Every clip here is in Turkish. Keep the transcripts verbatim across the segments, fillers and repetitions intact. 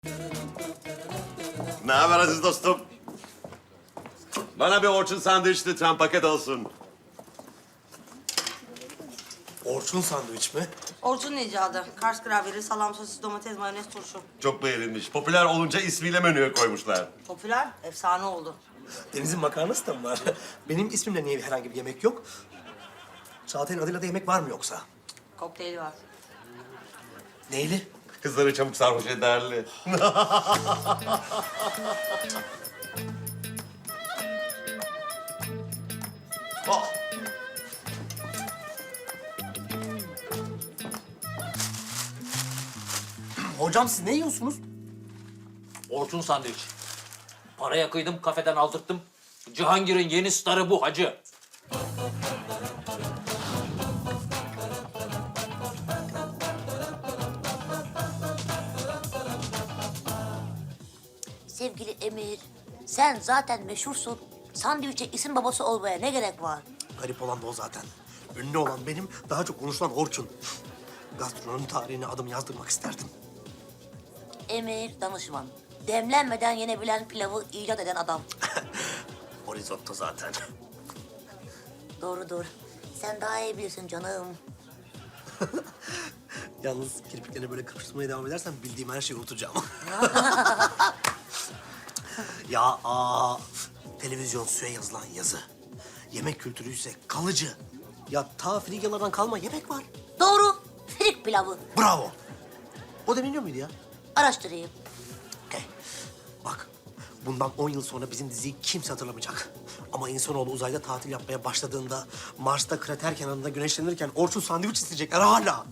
Ne haber aziz dostum? Bana bir Orçun sandviç lütfen, paket olsun. Orçun sandviç mi? Orçun'un icadı. Kars gravyeri, salam, sosis, domates, mayonez, turşu. Çok beğenilmiş. Popüler olunca ismiyle menüye koymuşlar. Popüler, efsane oldu. Deniz'in makarnası da mı var? Benim ismimle niye herhangi bir yemek yok? Çağatay'ın adıyla da yemek var mı yoksa? Kokteyli var. Neyli? Kızları çabuk sarhoş ederli. Oh. Hocam siz ne yiyorsunuz? Orçun sandviç. Paraya kıydım, kafeden aldırttım. Cihangir'in yeni starı bu hacı. Sevgili Emir, sen zaten meşhursun. Sandviçe isim babası olmaya ne gerek var? Garip olan da o zaten. Ünlü olan benim, daha çok konuşulan Orçun. Gastronomi tarihine adım yazdırmak isterdim. Emir danışman. Demlenmeden yenebilen pilavı icat eden adam. O risotto zaten. Doğru doğru. Sen daha iyi bilirsin canım. Yalnız kirpiklerini böyle kırpıştırmaya devam edersen bildiğim her şeyi unutacağım. Ya aa, televizyon suya yazılan yazı. Yemek kültürü ise kalıcı. Ya ta Frigyalardan kalma yemek var. Doğru. Frik pilavı. Bravo. O da bilmiyor muydu ya? Araştırayım. Okey. Bak, bundan on yıl sonra bizim diziyi kimse hatırlamayacak. Ama insanoğlu uzayda tatil yapmaya başladığında... ...Mars'ta krater kenarında güneşlenirken Orçun sandviç isteyecekler hala.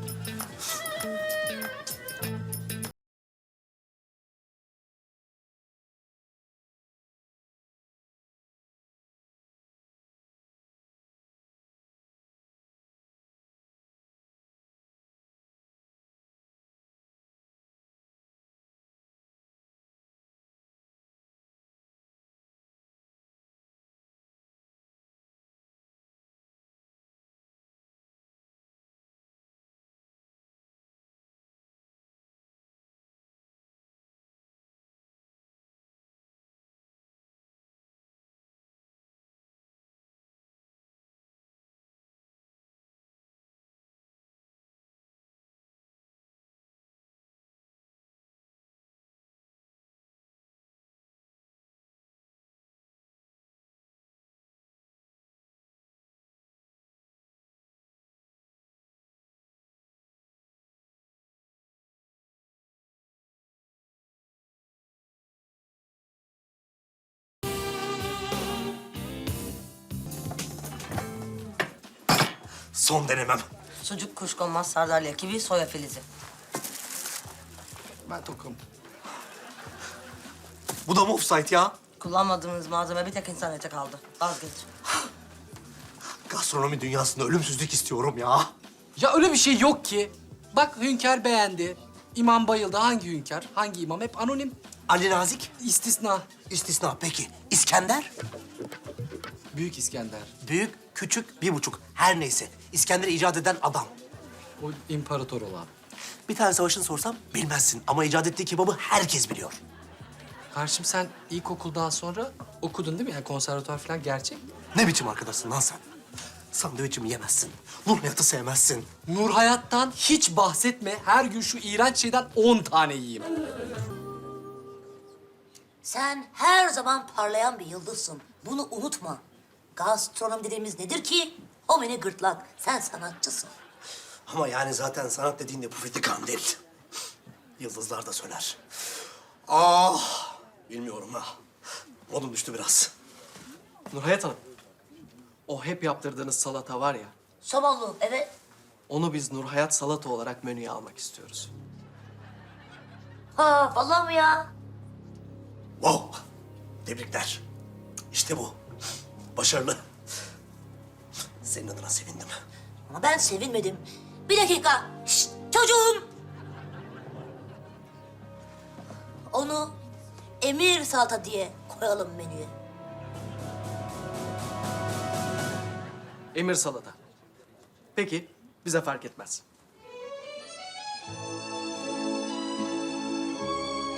Son denemem. Sucuk, kuşkonmaz, sardalya, kivi, soya filizi. Ben tokum. Bu da mı offside ya? Kullanmadığımız malzeme bir tek internete kaldı. Vazgeç. Gastronomi dünyasında ölümsüzlük istiyorum ya. Ya öyle bir şey yok ki. Bak Hünkar beğendi. İmam bayıldı. Hangi Hünkar? Hangi imam? Hep anonim. Ali Nazik, İstisna. istisna. Peki, İskender? Büyük İskender. Büyük, küçük, bir buçuk. Her neyse. İskender'i icat eden adam. O imparator olan. Bir tane savaşını sorsam bilmezsin. Ama icat ettiği kebabı herkes biliyor. Karşım sen ilkokuldan sonra okudun değil mi? Yani konservatuvar falan gerçek. Ne biçim arkadaşsın lan sen? Sandviçimi yemezsin. Nur hayatı sevmezsin. Nur hayattan hiç bahsetme. Her gün şu iğrenç şeyden on tane yiyeyim. Sen her zaman parlayan bir yıldızsın. Bunu unutma. Gastronomi dediğimiz nedir ki? O beni gırtlak. Sen sanatçısın. Ama yani zaten sanat dediğin de pufidi kandil. Yıldızlar da söner. Ah! Bilmiyorum ha. Modum düştü biraz. Nurhayat Hanım, o hep yaptırdığınız salata var ya, Somonlu, evet. onu biz Nurhayat salata olarak menüye almak istiyoruz. Ha, vallahi mi ya? Wow! Tebrikler. İşte bu. Başarılı. Senin adına sevindim. Ama ben sevinmedim. Bir dakika. Şşt, çocuğum. Onu Emir salata diye koyalım menüye. Emir salata. Peki, bize fark etmez.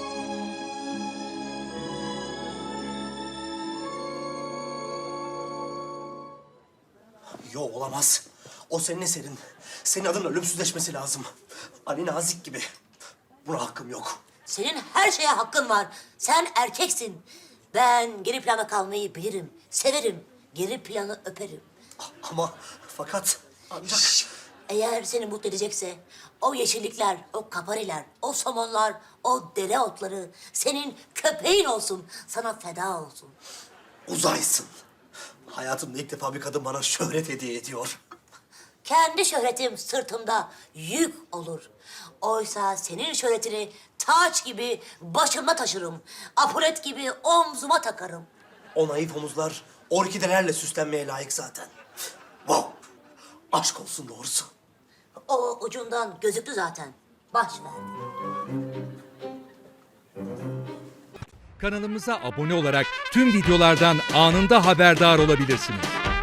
Yo olamaz. O senin eserin. Senin adın ölümsüzleşmesi lazım. Ali Nazik gibi. Buna hakkım yok. Senin her şeye hakkın var. Sen erkeksin. Ben geri plana kalmayı bilirim. Severim. Geri planı öperim. Ama fakat ancak... Eğer seni mutlu edecekse o yeşillikler, o kapariler, o somonlar, o dereotları senin köpeğin olsun. Sana feda olsun. Uzaysın. Hayatımda ilk defa bir kadın bana şöhret hediye ediyor. Kendi şöhretim sırtımda yük olur. Oysa senin şöhretini taç gibi başımda taşırım. Apulet gibi omzuma takarım. O naif omuzlar orkidelerle süslenmeye layık zaten. Wow. Aşk olsun doğrusu. O ucundan gözüktü zaten. Baş ver. Kanalımıza abone olarak tüm videolardan anında haberdar olabilirsiniz.